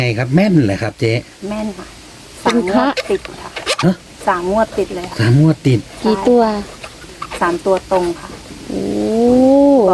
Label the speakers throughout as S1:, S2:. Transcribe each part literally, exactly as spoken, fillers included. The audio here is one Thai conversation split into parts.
S1: ไงครับแม่นเลยครับเจ๊
S2: แม่นค่ะ
S3: เป็
S2: สาม
S3: น
S2: ง
S3: พ
S2: ว
S3: ระ
S2: ดติดค่ะ
S1: ฮะ
S2: สามงวดติดเลยค่ะ
S1: สามงวดติด
S3: กี่ตัว
S2: สามตัวตรงค่ะ
S3: โอ้
S2: บอก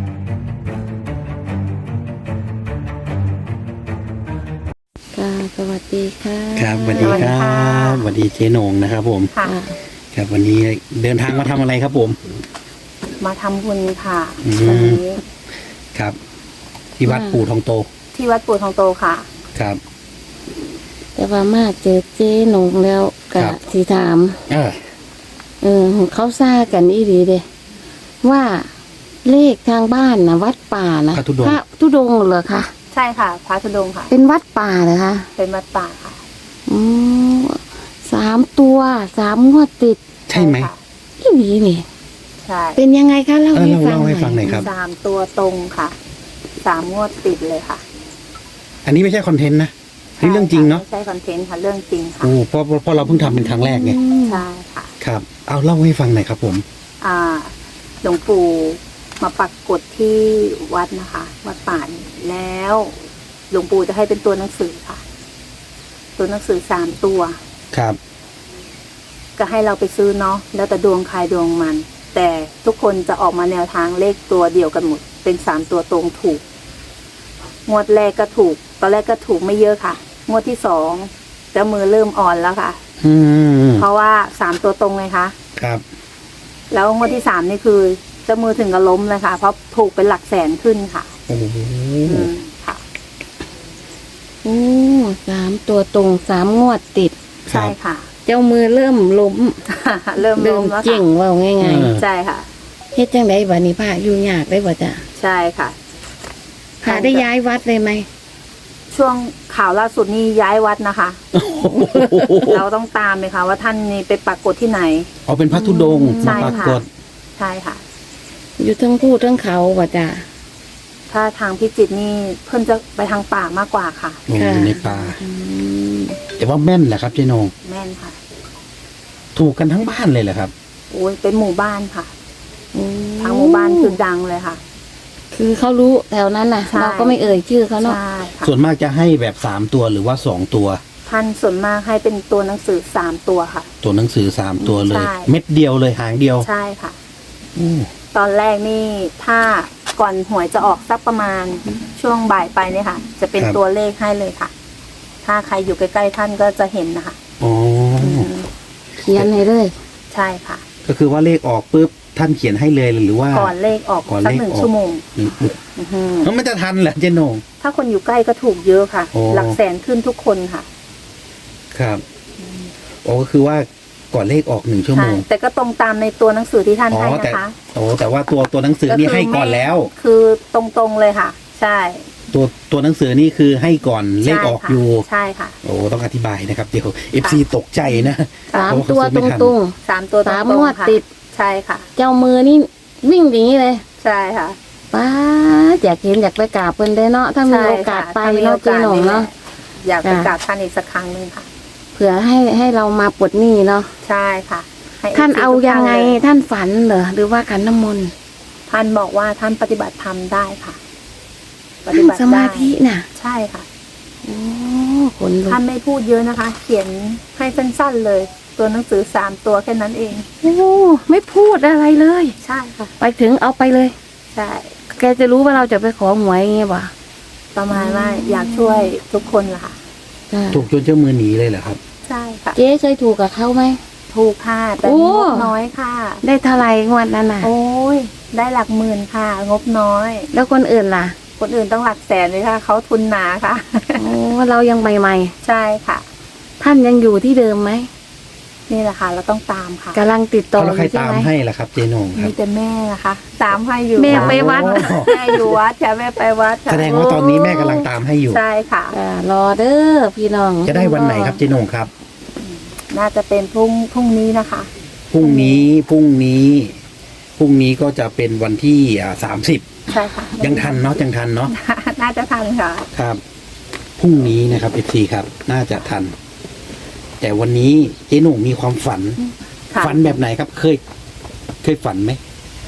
S3: ค่ะสวัสดีค่ะ
S1: ครับสวัสดีครับสวัสดีเจ๊นงนะครับผม
S2: ค่ะ
S3: ค่ะ
S1: ครับวันนี้เดินทางมาทำอะไรครับผม
S2: มาทำบุญค่ะ
S1: อืม
S2: วันนี้
S1: ครับ ที่วัดปู่ทองโต
S2: ที่วัดปู่ทองโตค่ะ
S1: ครับ
S3: แต่ว่ามาเจอเจ๊หนงแล้วกะ
S1: ครับ
S3: สีถาม
S1: เออ
S3: เออเขาซ่ากันอีดีเด้ว่าเลขทางบ้านนะวัดป่านะ
S1: พระธุดงค์
S3: พระธุดงค์เหรอคะ
S2: ใช่ค่ะพระธุดงค์ค่ะ
S3: เป็นวัดป่าเหรอคะ
S2: เป็นวัดป่าค่ะ
S3: อืมสามตัวสามงวดติด
S1: ใช่ไหม
S2: ค่ะ
S3: อีดีนี่
S2: ใช่
S3: เป็นยังไงคะเล่า
S1: เออ
S3: ให้
S1: เล่า
S3: ฟัง
S1: เล่าให้
S3: หน่
S1: ฟังหน่
S3: อ
S1: อย ยครับ
S2: สามตัวตรงค่ะ สามงวดติดเลยค่ะ
S1: อันนี้ไม่ใช่คอนเทนต์นะนี่เรื่องจริงเนาะ
S2: ไม่ใช่คอนเทนต์ค่ะ เรื่องจริงค่ะ
S1: โอ้เพราะเพราะเราเพิ่งทำเป็นครั้งแรกไง
S3: อืม
S2: ใช่ค่ะ
S1: ครับ เอาเล่าให้ฟังหน่อยครับผม
S2: อ่า หลวงปู่มาปักกฎที่วัดนะคะ วัดป่านี่แล้ว หลวงปู่จะให้เป็นตัวหนังสือค่ะ ตัวหนังสือสามตัว
S1: ครับ
S2: ก็ให้เราไปซื้อเนาะแล้วแต่ดวงใครดวงมัน แต่ทุกคนจะออกมาแนวทางเลขตัวเดียวกันหมด เป็นสามตัวตรงถูก งวดแรกก็ถูก ตอนแรกก็ถูกไม่เยอะค่ะ งวดที่สองเจ้ามือเริ่มอ่อนแล้วค่ะ
S1: อืม
S2: เพราะว่าสามตัวตรงไงคะ
S1: ครับ
S2: แล้วงวดที่สามนี่คือเจ้ามือถึงกับล้มเลยค่ะ เพราะถูกเป็นหลักแสนขึ้นค่ะ
S1: โอ้โห
S2: อืมค่ะ
S3: โอ้สามตัวตรงสามงวดติด
S1: ค
S2: ใช่
S1: รับ
S2: ค่ะ
S3: เจ้ามือเริ่มล้ม
S2: เริ่ม
S3: เริ่
S2: ล้
S3: ม
S2: มแล้ว
S3: เก่ง
S2: ค่ะ
S3: ว่าง่าย
S1: เออ
S2: ใช่ค่ะ
S3: ๆเฮ็ดจังไดบัดนี้พระอยู่ยากได้บ่จ้ะ
S2: ใช่ค่ะ
S3: พระได้ย้ายวัดเลยไหม
S2: ช่วงข่าวล่าสุดนี่ย้ายวัดนะคะ เราต้องตามเลยค่ะ ว่าท่านนี่ไปปรากฏที่ไหน
S1: เอาเป็นพระธุดงค์
S2: ใช่
S1: มาปรา
S2: ค่ะ
S1: กฏ
S2: ใช่ค่ะ
S3: อยู่ทั้งผู้ทั้งเขาบ่จ้ะ
S2: ถ้าทางพิจิตรนี่เพิ่นจะไปทางป่ามากกว่าค่ะ
S1: โอ้อยู่ในป่า
S3: อืม
S1: แต่ว่าแม่นแหละครับเจ๊นง
S2: แม่นค่ะ
S1: ถูกกันทั้งบ้านเลยเหรอครับ
S2: โอ้ยเป็นหมู่บ้านค่ะ
S3: โอ้
S2: ทางหมู่บ้านคือดังเลยค่ะ
S3: คือเขารู้แถวนั้นน่ะ
S2: ใช่
S3: เราก็ไม่เอ่ยชื่อเขาเนาะ
S2: ใช่ค่ะ
S1: ส่วนมากจะให้แบบสามตัวหรือว่าสองตัว
S2: ท่านส่วนมากให้เป็นตัวหนังสือสามตัวค่ะ
S1: ตัวหนังสือสามตัวเลย
S2: ใช่
S1: เม็ดเดียวเลยหางเดียว
S2: ใช่ค่ะ
S1: อู้
S2: ตอนแรกนี่ถ้าก่อนหวยจะออกสักประมาณช่วงบ่ายไปเนี่ยค่ะ จะเป็นตัวเลขให้เลยค่ะ ถ้าใครอยู่ใกล้ๆท่านก็จะเห็นนะคะ
S1: อ๋ออ
S2: ม
S3: เขียนให้เลย
S2: ใช่ค่ะ
S1: ก็คือว่าเลขออกปุ๊บท่านเขียนให้เลยหรือว่า
S2: ก่อนเลขออก
S1: ก่อน
S2: สัก
S1: เลข
S2: หนึ่ง
S1: ออก
S2: ชั่วโมง
S1: หนึ่ง
S2: อื้อหือ
S1: แล้วมันจะทันเหรอเจ๊นง
S2: ถ้าคนอยู่ใกล้ก็ถูกเยอะค่ะ
S1: โอ้
S2: หลักแสนขึ้นทุกคนค่ะ
S1: ครับโอ้ก็คือว่าก่อนเลขออกหนึ่งชั่วโม
S2: ใช่
S1: ง
S2: แต่ก็ตรงตามในตัวหนังสือที่ท่าน
S1: อ๋อ
S2: ให้
S1: แต่
S2: นะคะ
S1: โอ้แต่ว่าตัวตัวหนังสือนี่ให้ก่อนแล้ว
S2: คือตรงๆเลยค่ะ ใช่
S1: ตัวตัวหนังสือนี่คือให้ก่อนเลขออก
S2: ใช่ค่ะ
S1: อยู่
S2: ใช่ค่ะ
S1: โอ้ต้องอธิบายนะครับเดี๋ยวเอฟซีตกใจนะ
S3: สาม
S1: เพราะ
S3: ตัว
S1: เขาซื้อ
S3: ต
S1: ไม่ทัน
S3: รง
S2: สามตัวตรง
S3: สาม
S2: ๆ
S3: งวด
S2: ค่ะ
S3: ติด
S2: ใช่ค่ะ
S3: ๆ เจ้ามือนี่วิ่งอย่างนี้เลย
S2: ใช่ค่ะ
S3: ป้าดอยากเห็นอยากไปกราบเพิ่นได้เนาะถ้ามีโอกาสไป
S2: ใช่ค่ะ
S3: เนาะ
S2: ถ้า
S3: เจ๊
S2: มี
S3: หนงเนาะ
S2: อยากไป
S3: จ้ะ
S2: กราบท่านอีกสักครั้งหนึ่งค่ะ
S3: เผื่อให้ให้เรามาปลดหนี้เนาะ
S2: ใช่ค่ะให้
S3: ท่าน
S2: ฟซี
S3: เอา
S2: ทุก
S3: ยังไง
S2: ท่านเลย
S3: ท่านฝันเหรอหรือว่าขันน้ำมนต์
S2: ท่านบอกว่าท่านปฏิบัติธรรมได้ค่ะ ปฏิ
S3: นั่ง
S2: บัติ
S3: สมาธิ
S2: ได้
S3: น่ะ
S2: ใช่ค่ะ
S3: โอ้ขนลุก
S2: ท่านไม่พูดเยอะนะคะ เขียนให้สั้นๆเลย ตัวหนังสือสามตัวแค่นั้นเอง
S3: โอ้ไม่พูดอะไรเลย
S2: ใช่ค่ะ
S3: ไปถึงเอาไปเลย
S2: ใช่
S3: แกจะรู้ว่าเราจะไปขอหวยอย่างเงี้ยป่ะ
S2: ประมาณว่าอยากช่วยทุกคนล่ะค่ะ
S3: จ้ะ
S1: ถูกจนเจ้ามือหนีเลยเหรอครับ
S2: ใช่ค่ะ
S3: เจ๊เคยถูกกับเขาไหม
S2: ถูกค่ะ แต่
S3: โอ้
S2: งบน้อยค่ะ
S3: ได้เท่าไหรงวดนั้นน่ะ
S2: โอ้ย ได้หลักหมื่นค่ะ งบน้อย
S3: แล้วคนอื่นล่ะ
S2: คนอื่นต้องหลักแสนเลยค่ะ เขาทุนหนาค่ะ
S3: โอ้เรายังใหม่
S2: ใช่ค่ะ
S3: ๆท่านยังอยู่ที่เดิมไหม
S2: นี่แหละค่ะ เราต้องตามค่ะ
S3: กำลังติดต่อ
S1: แล้ว
S3: อ
S1: ใคร
S3: ยู่ใช่
S1: ตาม
S3: ไหม
S1: ให้ล่ะครับเจนงครั
S2: มี
S1: บ
S2: แต่แม่นะคะ ตามให้อยู่
S3: แม่
S2: ค่ะ
S3: ไปวัด
S1: โอ้
S2: แม่อยู่วัดค่ะแม่ไปวัดค่ะ
S1: แสดงว่าตอนนี้แม่กำลังตามให้อยู่
S2: ใช่ค่ะ
S3: อ่ารอเด้อพี่น้อง
S1: จะได้วันไหนครับเจนงครับ
S2: น่าจะเป็นพรุ่งพรุ่งนี้นะคะ
S1: พรุ่งนี้พรุ่งนี้พรุ่งนี้ก็จะเป็นวันที่อ่าสามสิบ
S2: ใช่ค่ะ
S1: ยังทันเนาะยังทันเนาะ
S2: น่าจะทันค่ะ
S1: ครับพรุ่งนี้นะครับเอฟซีครับ น่าจะทัน แต่วันนี้เจ๊หนุ่มมีความฝัน
S2: ค่ะ
S1: ฝันแบบไหนครับ เคย เคยฝันไหม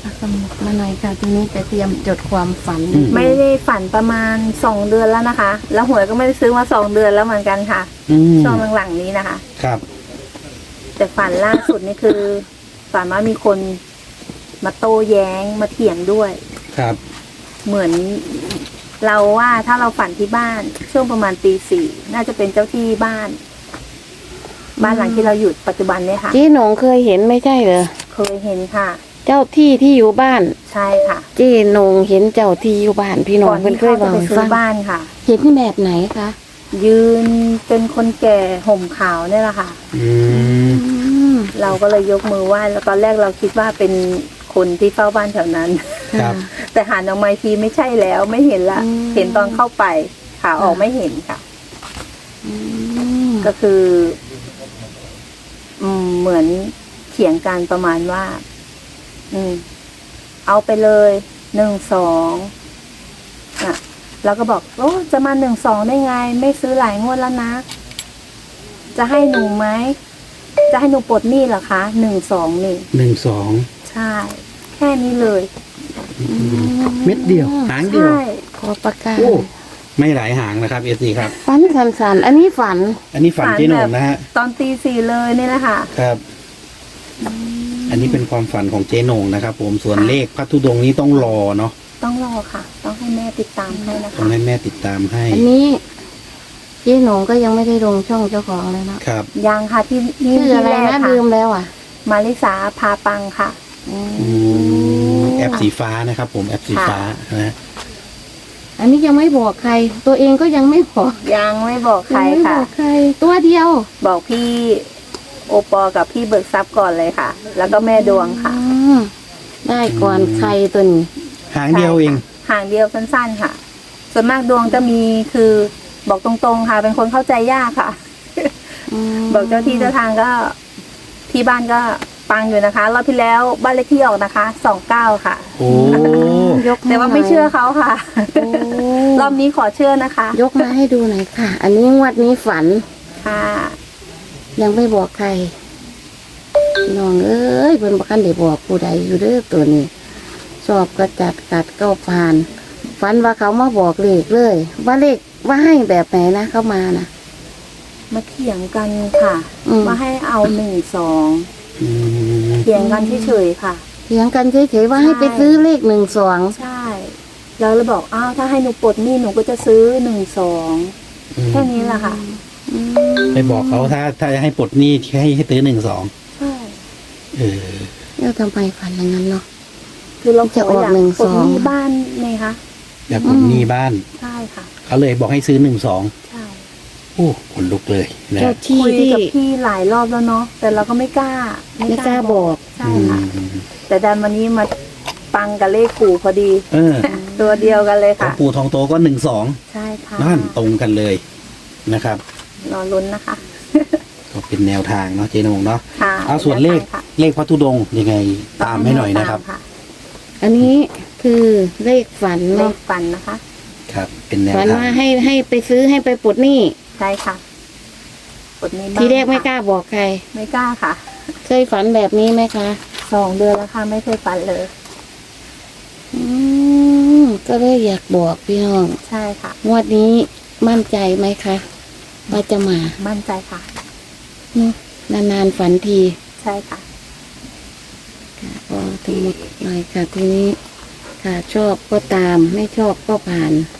S3: เอาสมุดมาหน่อยค่ะทีนี้จะเตรียมจดความฝัน
S1: อืม
S2: ไม่ได้ฝันประมาณสองเดือนแล้วนะคะ แล้วหวยก็ไม่ได้ซื้อมาสองเดือนแล้วเหมือนกันค่ะ
S1: อืม
S2: ช่วงหลังๆนี้นะคะ
S1: ครับ
S2: แต่ฝันล่าสุดนี่คือ ฝันว่ามีคนมาโต้แย้งมาเถียงด้วย
S1: ครับ
S2: เหมือนเราว่าถ้าเราฝันที่บ้านช่วงประมาณตีสี่น่าจะเป็นเจ้าที่บ้าน บ้านหลังที่เราอยู่ปัจจุบันเนี่ยค่ะ
S3: เจ๊หนงเคยเห็นไม่ใช่เหรอ
S2: เคยเห็นค่ะ
S3: เจ้าที่ที่อยู่บ้าน
S2: ใช่ค่ะ
S3: เจ๊หนงเห็นเจ้าที่อยู่บ้านพี่น้อง
S2: ก่อน
S3: เพิ่น
S2: ที่
S3: เคย
S2: เขา
S3: บ
S2: จะ
S3: อก
S2: ไป
S3: ให้
S2: ซื้
S3: ฟั
S2: อง บ้านค่ะ
S3: เห็นแบบไหนคะ
S2: ยืนเป็นคนแก่ห่มขาวเนี่ยแหละค่ะ
S1: อืม
S3: อืม
S2: เราก็เลยยกมือไหว้แล้วตอนแรกเราคิดว่าเป็นคนที่เฝ้าบ้านแถวนั้น
S1: ครับ
S2: แต่หันออกมาอีกทีไม่ใช่แล้วไม่เห็นละ เห็นตอนเข้าไปขาออกไม่เห็นค่ะ
S3: อืม
S2: ก็คือ อืมเหมือนเถียงกันประมาณว่า อืม เอาไปเลยหนึ่งสองอ่ะเราก็บอกโอ้จะมาหนึ่งสองได้ไง ไม่ซื้อหลายงวดแล้วนะ จะให้หนูไหมจะให้หนูปลดหนี้เหรอคะหนึ่งสองนี่
S1: หนึ่งสอง
S2: ใช่ แค่นี้เลย
S1: เม็ดเดียว หางเดียว
S2: ใช่
S3: ขอประกาศ
S1: โอ้ไม่หลายหางนะครับเอซีครับ
S3: ฝันสันๆอันนี้ฝัน
S1: อันนี้ฝันเจ๊หนงนะฮะ
S2: ตอนตีสี่เลยนี่แหละค่ะ
S1: ครับ อันนี้เป็นความฝันของเจ๊หนงนะครับ ผมส่วนเลขพัทธุดงค์นี้ต้องรอเนาะ
S2: ต้องรอค่ะ ต้องให้แม่ติดตามให้นะ
S1: ต้อ
S2: คะ
S1: งให้แม่ติดตามให้
S3: อันนี้เจ๊หนงก็ยังไม่ได้ลงช่องเจ้าของเลยเนาะ
S1: ครับ
S2: ยังค่ะที่นี่
S3: ชื่อ
S2: ที่
S3: อะไร
S2: แรก
S3: นะ
S2: ค่ะ
S3: ลืมแล้วอ่ะ
S2: มาริสาพาปังค่ะ
S3: อืม
S1: อืมแอปสีฟ้านะครับ ผมแอปสีฟ้านะ
S3: อันนี้ยังไม่บอกใคร ตัวเองก็ยังไม่บอก
S2: ยังไม่บอกใคร
S3: ยังไม่บ
S2: ค่ะ
S3: อกใคร ตัวเดียว
S2: บอกพี่โอปอกับพี่เบิกทรัพย์ก่อนเลยค่ะ แล้วก็แม่ดวงค่ะ
S3: อืมได้ก่อนใครตัวนี้
S1: หางเดียวเอง
S2: ห่างเดียวสั้นๆค่ะ ส่วนมากดวงจะมีคือบอกตรงๆค่ะ เป็นคนเข้าใจยากค่ะ
S3: ม
S2: บอกเจ้าที่เจ้าทางก็ที่บ้านก็ปังอยู่นะคะรอบที่แล้วบ้านเลขที่ออกนะคะสองเก้าค่ะ
S1: โอ้
S3: ยก
S2: แต่ว่าไม่เชื่อเขาค่ะ
S3: โอ้
S2: รอบนี้ขอเชื่อนะคะ
S3: ยกมาให้ดูหน่อยค่ะ อันนี้งวดนี้ฝัน
S2: ค่ะ
S3: ยังไม่บอกใครพี่น้องเอ้ยเพิ่นบ่คันได้บอกผู้ใดอยู่เด้อตัวนี้ชอบก็จัดกัดก็ผ่าน ฝันว่าเขามาบอกเลขเลย ว่าเลขว่าให้แบบไหนนะเข้ามานะ
S2: มาเถียงกันค่ะ
S3: อืม
S2: ว่าให้เอาหนึ่งสอง
S1: อืม
S2: เถียงกันเฉยๆค่ะ
S3: เถียงกันเฉยๆว่าให้ไปซื้อเลขหนึ่งสอง
S2: ใช่แล้วเราบอกอ้าวถ้าให้หนูปลดหนี้หนูก็จะซื้อหนึ่งสองแค่นี้แหละค่ะ
S1: ไปบอกเขาถ้าถ้าจะให้ปลดหนี้ให้ให้ตื้อหนึ่งสอง
S2: ใช่
S1: เออ
S3: แล้วทำไมฝันอย่างนั้นเนาะ
S2: คือเราข
S3: จะ
S2: อ
S3: ออก
S2: อยาก
S3: หนึ่ง
S2: ปลด
S3: สอง
S2: หนี้บ้านไงคะ
S1: อยากปลดหนี้บ้าน
S2: ใช่ค่ะ
S1: เขาเลยบอกให้ซื้อหนึ่งสอง
S2: ใช่
S1: โอ้ขนลุกเลยนะ
S3: เจ้าที่
S2: คุย
S3: ที่
S2: กับพี่หลายรอบแล้วเนาะแต่เราก็ไม่กล้า
S3: ไม่กล้าบอก
S2: ใช่
S1: อื
S2: ค่ะ
S1: ม
S2: แต่ดันวันนี้มาปังกับเลขกูพอดี
S1: เออ
S2: ตัวเดียวกันเลย
S1: ของ
S2: ค่ะ
S1: ปู่ทองโตก็หนึ่งสอง
S2: ใช่ค่ะ
S1: นั่นตรงกันเลยนะครับ
S2: รอลุ้นนะคะ
S1: ก็เป็นแนวทางเนาะเจนงเนาะ
S2: ค่ะ
S1: เอาส่วนเลข
S2: ค่ะ
S1: เลขพัทธุดงค์ยังไงตามให้หน่อยนะครับ
S2: ตาม
S3: อันนี้คือเลขฝัน
S2: เล
S3: เนาะ
S2: ขฟันนะคะ
S1: ครับ เป็นแนว
S3: ฝัน
S1: ทาง
S3: ว่าให้ให้ไปซื้อให้ไปปลดหนี้
S2: ใช่ค่ะกดนี้บ้าง
S3: ทีแรกไม่ก
S2: ค่ะ
S3: ล้าบอกใคร
S2: ไม่กล้าค่ะ
S3: เคยฝันแบบนี้ไหมคะ
S2: สองเดือนแล้วค่ะไม่เคยฟันเลย
S3: อืมก็เลยอยากบอกพี่น้อง
S2: ใช่ค่ะ
S3: งวดนี้มั่นใจไหมคะว่าจะมา
S2: มั่นใจค่ะ
S3: เนอะนานๆฝันที
S2: ใช่ค่ะ
S3: ค่ะพอทั้งหมดหน่อยค่ะทีนี้ค่ะชอบก็ตามไม่ชอบก็ผ่าน